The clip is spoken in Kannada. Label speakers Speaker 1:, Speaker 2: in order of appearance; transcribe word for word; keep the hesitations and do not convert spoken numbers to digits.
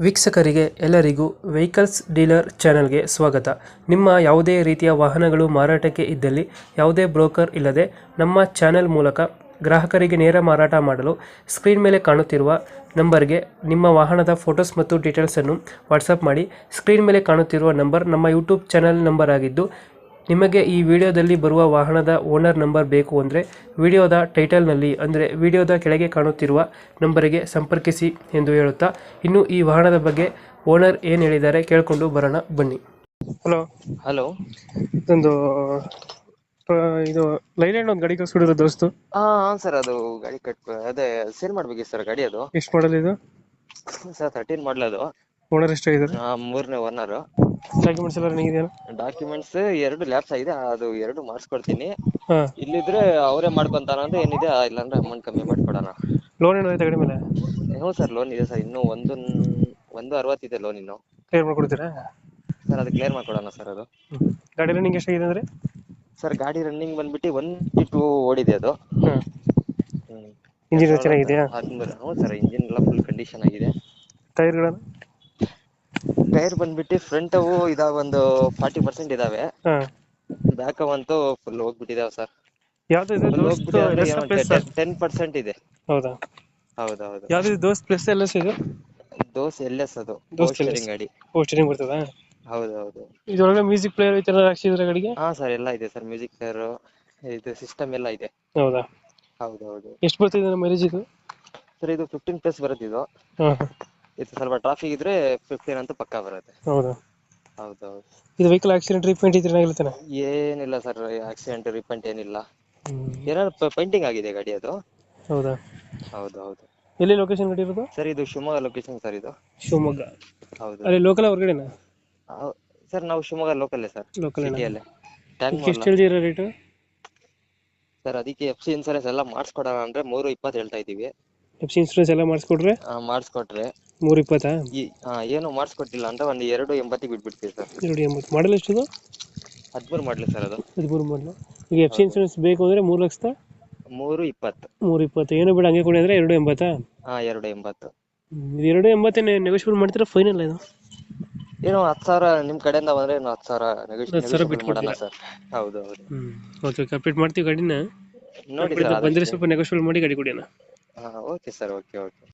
Speaker 1: ವೀಕ್ಷಕರಿಗೆ ಎಲ್ಲರಿಗೂ ವೆಹಿಕಲ್ಸ್ ಡೀಲರ್ ಚಾನೆಲ್ಗೆ ಸ್ವಾಗತ. ನಿಮ್ಮ ಯಾವುದೇ ರೀತಿಯ ವಾಹನಗಳು ಮಾರಾಟಕ್ಕೆ ಇದ್ದಲ್ಲಿ ಯಾವುದೇ ಬ್ರೋಕರ್ ಇಲ್ಲದೆ ನಮ್ಮ ಚಾನೆಲ್ ಮೂಲಕ ಗ್ರಾಹಕರಿಗೆ ನೇರ ಮಾರಾಟ ಮಾಡಲು ಸ್ಕ್ರೀನ್ ಮೇಲೆ ಕಾಣುತ್ತಿರುವ ನಂಬರ್ಗೆ ನಿಮ್ಮ ವಾಹನದ ಫೋಟೋಸ್ ಮತ್ತು ಡೀಟೇಲ್ಸನ್ನು ವಾಟ್ಸಪ್ ಮಾಡಿ. ಸ್ಕ್ರೀನ್ ಮೇಲೆ ಕಾಣುತ್ತಿರುವ ನಂಬರ್ ನಮ್ಮ ಯೂಟ್ಯೂಬ್ ಚಾನೆಲ್ ನಂಬರ್ ಆಗಿದ್ದು, ನಿಮಗೆ ಈ ವಿಡಿಯೋದಲ್ಲಿ ಬರುವ ವಾಹನದ ಓನರ್ ನಂಬರ್ ಬೇಕು ಅಂದರೆ ವಿಡಿಯೋದ ಟೈಟಲ್ನಲ್ಲಿ ಅಂದರೆ ವಿಡಿಯೋದ ಕೆಳಗೆ ಕಾಣುತ್ತಿರುವ ನಂಬರಿಗೆ ಸಂಪರ್ಕಿಸಿ ಎಂದು ಹೇಳುತ್ತಾ, ಇನ್ನು ಈ ವಾಹನದ ಬಗ್ಗೆ ಓನರ್ ಏನು ಹೇಳಿದ್ದಾರೆ ಕೇಳಿಕೊಂಡು ಬರೋಣ ಬನ್ನಿ. Hello
Speaker 2: hello.
Speaker 1: ಇದೊಂದು ಆ, ಇದು ಲೈಲ್ಯಾಂಡ್ ಒಂದು ಗಾಡಿ ಕಳ್ಸ್ಕೊಡಿರೋ ದೋಸ್ತು,
Speaker 2: ಹಾ ಸರ್, ಅದು ಗಾಡಿ ಕಟ್ ಅದೇ ಸೇಲ್ ಮಾಡ್ಬೇಕಿತ್ತು ಸರ್ ಗಾಡಿ. ಅದು
Speaker 1: ಎಷ್ಟು ಮಾಡಲ್ ಇದು?
Speaker 2: ಸರ್ ತರ್ಟೀನ್ ಮಾಡಲ್ ಅದು.
Speaker 1: ಓನರ್ ಎಷ್ಟಾಗಿದ್ದಾರೆ?
Speaker 2: ಆ, ಮೂರನೇ ಓನರ್.
Speaker 1: ಡಾಕ್ಯುಮೆಂಟ್ಸ್ ಎಲ್ಲ ರನ್ನಿಂಗ್ ಇದೆಯಾ?
Speaker 2: ಡಾಕ್ಯುಮೆಂಟ್ಸ್ ಎರಡು ಲ್ಯಾಪ್ಸ್ ಆಗಿದೆ, ಅದು ಎರಡು ಮಾಡಿಸ್ಕೊಡ್ತೀನಿ.
Speaker 1: ಹಾಂ.
Speaker 2: ಇಲ್ಲಿದ್ರೆ ಅವರೇ ಮಾಡ್ಕೊಂತಾರ ಅಂದ್ರೆ ಏನಿದೆ, ಇಲ್ಲಾಂದ್ರೆ ಅಮೌಂಟ್ ಕಮ್ಮಿ ಮಾಡಿ ಕೊಡೋಣ.
Speaker 1: ಲೋನ್ ಏನೋ ಐತೆ ಗಾಡಿ ಮೇಲೆ?
Speaker 2: ಹ್ಞೂ ಸರ್, ಲೋನ್ ಇದೆ ಸರ್. ಇನ್ನೂ ಒಂದು ಒಂದು ಅರವತ್ತಿದೆ ಲೋನ್ ಇನ್ನು.
Speaker 1: ಕ್ಲಿಯರ್ ಮಾಡ್ಕೊಡ್ತೀರಾ
Speaker 2: ಸರ್? ಅದು ಕ್ಲಿಯರ್ ಮಾಡ್ಕೊಡೋಣ ಸರ್. ಅದು
Speaker 1: ಗಾಡಿ ರನ್ನಿಂಗ್ ಎಷ್ಟಾಗಿದೆ ಅಂದರೆ?
Speaker 2: ಸರ್ ಗಾಡಿ ರನ್ನಿಂಗ್ ಬಂದ್ಬಿಟ್ಟು ಒನ್ ಫಿಫ್ಟಿ ಟೂ ಓಡಿದೆ ಅದು.
Speaker 1: ಹಾಂ.
Speaker 2: ಹ್ಮ್
Speaker 1: ಇಂಜಿನ್ ಚೆನ್ನಾಗಿದೆಯಾ?
Speaker 2: ಹದಿಮೂರು. ಹ್ಞೂ ಸರ್, ಇಂಜಿನ್ ಎಲ್ಲ ಫುಲ್ ಕಂಡೀಷನ್ ಆಗಿದೆ.
Speaker 1: ಟೈರ್ಗಳನ್ನು?
Speaker 2: ಟೈರ್ ಬಂದ್ಬಿಟ್ಟು ಫ್ರಂಟ್ ಅವು ಇದಾವ, ಒಂದು ಫಾರ್ಟಿ ಪರ್ಸೆಂಟ್ ಇದಾವೆ.
Speaker 1: ಹಾಂ.
Speaker 2: ಬ್ಯಾಕ್ ಅಂತೂ ಫುಲ್ ಹೋಗ್ಬಿಟ್ಟಿದಾವೆ ಸರ್.
Speaker 1: ಯಾವ್ದು ಇದು?
Speaker 2: Full
Speaker 1: Dost L S plus?
Speaker 2: ಹೋಗ್ಬಿಟ್ಟಿದೆ, ಟೆನ್ ಪರ್ಸೆಂಟ್ ಇದೆ.
Speaker 1: ಹೌದಾ?
Speaker 2: ಹೌದೌದು.
Speaker 1: ಯಾವ್ದು ಇದು? ದೋಸ್ತ್ ಪ್ಲಸ್ ಎಲ್ ಎಸ್ ಇದು?
Speaker 2: ದೋಸ್ ಎಲ್ ಎಸ್ ಅದು,
Speaker 1: ದೋಸ್ತ್ ಎಲ್ ಎಸ್
Speaker 2: ಸ್ಟೇರಿಂಗ್ ಗಾಡಿ.
Speaker 1: ಓ, ಸ್ಟೀರಿಂಗ್ ಬರ್ತದಾ?
Speaker 2: ಹೌದೌದು.
Speaker 1: ಇದ್ರೊಳಗೆ ಮ್ಯೂಸಿಕ್ ಪ್ಲೇಯರ್ ಈ ತರ ಹಾಕ್ಸಿದ್ರೆ ಗಾಡಿಗೆ?
Speaker 2: ಹಾ ಸರ್, ಎಲ್ಲ ಇದೆ ಸರ್. ಮ್ಯೂಸಿಕ್ ಪ್ಲೇಯರ್, ಇದು ಸಿಸ್ಟಮ್ ಎಲ್ಲ ಇದೆ.
Speaker 1: ಹೌದಾ?
Speaker 2: ಹೌದೌದು.
Speaker 1: ಎಷ್ಟು ಬರ್ತಿದೆ ಮೈಲೇಜ್ ಇದು?
Speaker 2: ಸರ್ ಇದು ಫಿಫ್ಟೀನ್ ಪ್ಲಸ್ ಬರುತ್ತೆ ಇದು.
Speaker 1: ಹಾಂ.
Speaker 2: ಇದು ಸ್ವಲ್ಪ ಟ್ರಾಫಿಕ್ ಇದ್ರೆ ಫಿಫ್ಟೀನ್ ಅಂತೂ ಪಕ್ಕಾ ಬರುತ್ತೆ.
Speaker 1: ಹೌದಾ?
Speaker 2: ಹೌದೌದು.
Speaker 1: ಇದು ವೆಹಿಕಲ್ ಆಕ್ಸಿಡೆಂಟ್ ರೀಪೇಂಟ್ ಇದ್ರೆ ಏನಾಗಿರ್ತಾನೆ?
Speaker 2: ಏನಿಲ್ಲ ಸರ್, ಆಕ್ಸಿಡೆಂಟ್ ರಿಪೇಂಟ್ ಏನಿಲ್ಲ.
Speaker 1: ಹ್ಮ್.
Speaker 2: ಏನಾದ್ರು ಪೇಂಟಿಂಗ್ ಆಗಿದೆ ಗಾಡಿ ಅದು.
Speaker 1: ಹೌದಾ?
Speaker 2: ಹೌದೌದು.
Speaker 1: ಎಲ್ಲಿ ಲೊಕೇಶನ್ ಗಾಡಿ ಇರೋದು?
Speaker 2: ಸರ್ ಇದು ಶಿವಮೊಗ್ಗ ಲೊಕೇಶನ್ ಸರ್ ಇದು.
Speaker 1: ಶಿವಮೊಗ್ಗ?
Speaker 2: ಹೌದು.
Speaker 1: ಅಲ್ಲಿ ಲೋಕಲ್ ಹೊರಗಡೆನಾ?
Speaker 2: ಸರ್ ನಾವು ಶಿವಮೊಗ್ಗ ಲೋಕಲ್ಲೇ ಸರ್,
Speaker 1: ಲೋಕಲ್
Speaker 2: ಸಿಟಿಯಲ್ಲೇ. ಟ್ಯಾಂಕ್
Speaker 1: ಎಷ್ಟು ಹೇಳ್ತೀರಾ ರೇಟು?
Speaker 2: ಸರ್ ಅದಕ್ಕೆ ಎಫ್ ಸಿ ಇನ್ಸೂರೆನ್ಸ್ ಎಲ್ಲ ಮಾಡಿಸ್ಕೊಡೋಣ ಅಂದ್ರೆ ಮೂರು ಇಪ್ಪತ್ತು ಹೇಳ್ತಾ ಇದೀವಿ.
Speaker 1: ಎಫ್ ಸಿ ಇನ್ಸೂರೆನ್ಸ್ ಎಲ್ಲ ಮಾಡಿಸ್ಕೊಡ್ರೆ
Speaker 2: ಮಾಡಿಸ್ಕೊಟ್ರೆ
Speaker 1: ಮೂರು ಇಪ್ಪತ್ತಾ?
Speaker 2: ಈ ಆ, ಏನು ಮಾಡಿಸ್ಕೊಟ್ಟಿಲ್ಲ ಅಂದ್ರೆ ಒಂದು ಎರಡು ಎಂಬತ್ತಿಗೆ ಬಿಟ್ಬಿಡ್ತೀವಿ ಸರ್.
Speaker 1: ಎರಡು ಎಂಬತ್ತು. ಮಾಡಲ್ ಎಷ್ಟಿದು?
Speaker 2: ಹದಿಮೂರು ಮಾಡಲಿ ಸರ್ ಅದು.
Speaker 1: ಹದಿಮೂರು ಮಾಡಲು. ಈಗ ಎಫ್ ಸಿ ಇನ್ಸೂರೆನ್ಸ್ ಬೇಕು ಅಂದರೆ ಮೂರು ಲಕ್ಷದ
Speaker 2: ಮೂರು ಇಪ್ಪತ್ತು.
Speaker 1: ಮೂರು ಇಪ್ಪತ್ತು ಏನು ಬೇಡ ಹಂಗೆ ಕೊಡಿ ಅಂದರೆ ಎರಡು ಎಂಬತ್ತಾ?
Speaker 2: ಹಾ, ಎರಡು ಎಂಬತ್ತು.
Speaker 1: ಹ್ಮ್. ಇದು ಎರಡು ಎಂಬತ್ತೇ ನೆಗೋಷಿಯಬಲ್ ಮಾಡ್ತೀರಾ ಫೈನಲ್ ಇದು?
Speaker 2: ಏನು ಹತ್ತು ಸಾವಿರ ನಿಮ್ ಕಡೆಯಿಂದ ಬಂದ್ರೆ ಏನು ಹತ್ತು ಸಾವಿರ
Speaker 1: ಹತ್ತು ಸಾವಿರ
Speaker 2: ನೆಗೋಷಿಯೇಟ್ ಮಾಡೋಣ
Speaker 1: ಬಿಟ್ಕೊಡ್ತೀರಾ?
Speaker 2: ಸರ್. ಹೌದು ಹೌದು.
Speaker 1: ಹ್ಞೂ. ಓಕೆ, ಕಂಪ್ಲೀಟ್ ಮಾಡ್ತೀವಿ ಗಾಡಿನ.
Speaker 2: ನೋಡಿ ಸರ್
Speaker 1: ಬಂದರೆ
Speaker 2: ಆದಷ್ಟು.
Speaker 1: ಸ್ವಲ್ಪ ನೆಗೋಷಿಯಬಲ್ ಮಾಡಿ ಗಾಡಿ ಕೊಡಿ ಅಣ್ಣ.
Speaker 2: ಹಾ ಓಕೆ ಸರ್, ಓಕೆ ಓಕೆ.